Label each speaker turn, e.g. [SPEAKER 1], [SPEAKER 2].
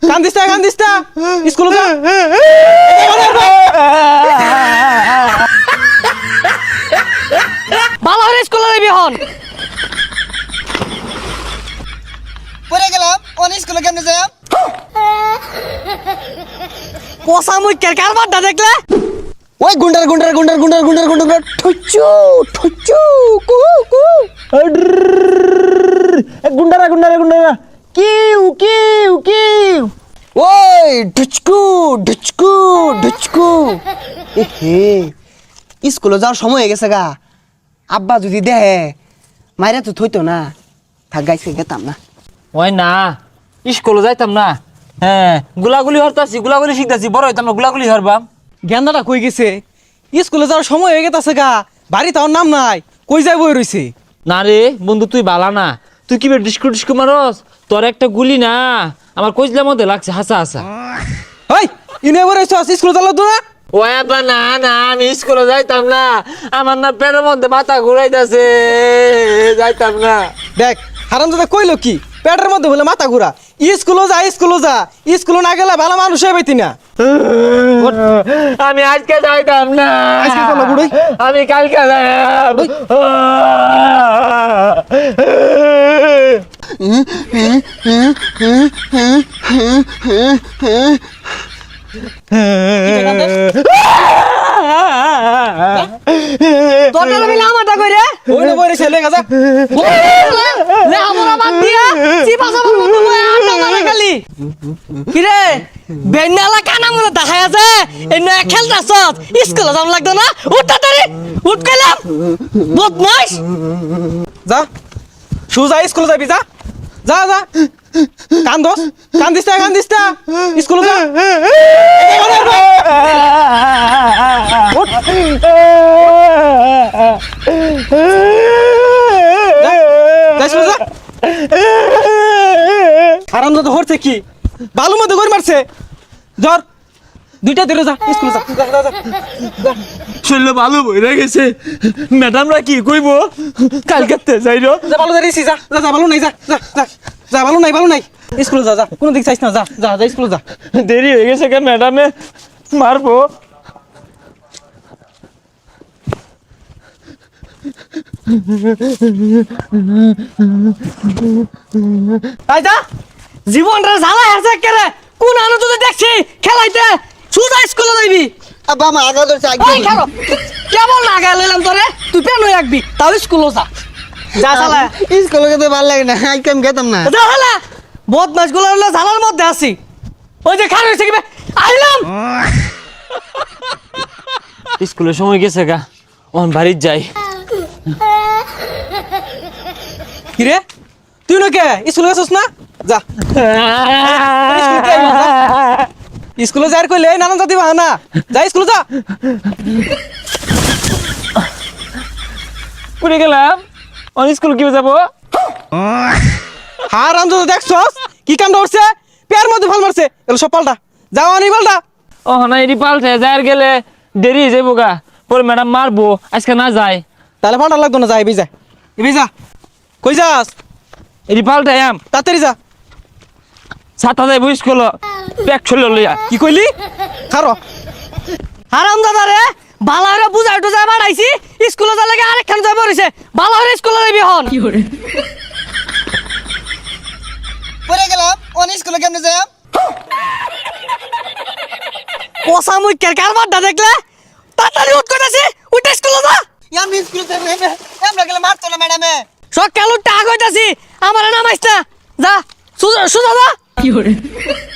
[SPEAKER 1] কান দিস না স্কুলে যা
[SPEAKER 2] ভালো করে স্কুলে যাবি হন
[SPEAKER 3] পড়ে গেলাম অন স্কুলে কেমনে যাই
[SPEAKER 2] পোষা মুই কারবার দা দেখলে
[SPEAKER 3] ওই গুন্ডার ঠুচু ঠুচু কু কু
[SPEAKER 1] গুন্ডারা কিউ কিউ কিউ
[SPEAKER 3] ওই ঢুচকু ঢুচকু ঢুচকু এহে স্কুলে যাওয়ার সময় হয়ে গেছে গা আব্বা যদি দেহে মাইরা তো থইতো না থাক গাইছে গেতাম না
[SPEAKER 4] ওই না স্কুলে যাইতাম না হ্যাঁ গুলাগুলি হরতাছি গুলাগুলি শিখতাছি বড় হইতাম না গুলাগুলি হরবাম
[SPEAKER 1] গেন্দাটা কই গেছে স্কুলে যাওয়ার সময় হয়ে গেছে গা বাড়ি তার নাম নাই কই যাই বই রইছে
[SPEAKER 4] না রে বন্ধু তুই বালা না তুই কি ডিস্কু মারস তোর একটা গুলি না আমার কইজলার মধ্যে লাগছে হাসা হাসা
[SPEAKER 1] ওই ইনে বই রইছ স্কুলে যালো তো না
[SPEAKER 4] ওই আব্বা না না আমি স্কুলে যাইতাম না আমার না পেটের মধ্যে মাথা ঘুরাইতাছে যাইতাম না
[SPEAKER 1] দেখ হারামজাদা কইলো কি পেটের মধ্যে বলে মাথা ঘুরা স্কুলে যা স্কুলে না গেলে ভালো মানুষ হইবি না
[SPEAKER 4] আমি আজকে যাইতাম না
[SPEAKER 1] আজকে চলো বুড়ি
[SPEAKER 4] আমি কালকে যাইতাম
[SPEAKER 2] তোর আমি লামাটা কইরে
[SPEAKER 1] ওই না বই রইছে লেগা যা
[SPEAKER 2] লে আমরা বাদ দিয়া চিপা সাবার মতো বই আটা মারা খালি কি রে বেন্নালা কানা মনে দেখায় আছে এই নয়া খেলতাছ স্কুলে যাম লাগতো না উঠ তাড়াতাড়ি উঠ কইলাম বদমাশ
[SPEAKER 1] যা সুজা স্কুলে যাবি যা যা যা কান দিস না স্কুলে যা আরামদাদ হরছে কি বালু মধ্যে গড়ি মারছে জ্বর দুইটা ধরে যা স্কুলে যা
[SPEAKER 4] শরীরে ভালো বইরা গেছে ম্যাডামরা কি কইব কালকে যাইরো
[SPEAKER 1] যা ভালো দাঁড়িয়েছি যা ভালো নাই যা ভালো নাই স্কুলে যা কোনো দিক চাইছ না যা স্কুলে যা
[SPEAKER 4] দেরি হয়ে গেছে কে ম্যাডামে মারবো
[SPEAKER 2] তাই যা জীবনটা জ্বালা আছে কেরে কোন আনো তুই দেখছি খেলাইতে সুজা স্কুলে যাইবি
[SPEAKER 3] আব্বা আমার আগা ধরছে
[SPEAKER 2] ওই খেলো কেবল লাগা লইলাম তোরে তুই পেন হয়ে রাখবি তাও স্কুলে যা শালা
[SPEAKER 3] স্কুলে যেতে ভালো লাগে না আজকে আমি গেতাম না
[SPEAKER 2] যা শালা বদমাশ গুলো হলো জ্বালার মধ্যে আছি ওই যে খান হইছে কি আইলাম
[SPEAKER 4] স্কুলের সময় গেছে গা অন বাড়ির যাই
[SPEAKER 1] কি রে তুই নকে স্কুলে গেছিস না যা স্কুলে যাই কইলে নানান জাতি বাহানা যা স্কুলে যা
[SPEAKER 4] পুরে গেলাম অন স্কুল কি যাবো
[SPEAKER 1] হার রাম যদি দেখছস কি কাম করছে পেয়ার মধ্যে ভাল মারছে এগুলো সব পাল্টা যাও আনি পাল্টা
[SPEAKER 4] ও না এটি পাল্টে যার গেলে দেরি হয়ে যাবো গা পরে ম্যাডাম মারবো আজকে না যায়
[SPEAKER 1] তাহলে পাল্টা লাগতো না যা এবি যা কই যাস
[SPEAKER 4] এটি পাল্টে আম
[SPEAKER 1] তাড়াতাড়ি যা
[SPEAKER 4] ছাতা যাইবো স্কুল ব্যাগ ছড়ল লইয়া
[SPEAKER 1] কি কইলি খারো
[SPEAKER 2] হারাম দাদা রে বালা হরে বুঝাই টুজাই বাড়াইছি স্কুলে যা লাগে আরেকখান যাই পড়িছে বালা হরে স্কুলে যাবি হন
[SPEAKER 3] পড়ে গেলাম অন স্কুলে কেমনে যাই
[SPEAKER 2] পোষা মুই কারবার দা দেখলে তাড়াতাড়ি উঠ কইতাছি উঠ স্কুলে যা
[SPEAKER 3] আমি স্কুলে যাই আমরা গেলে মারতো না ম্যাডামে
[SPEAKER 2] সকাল উঠ টাক হইতাছি আমার নামাইছ না যা সুজা যা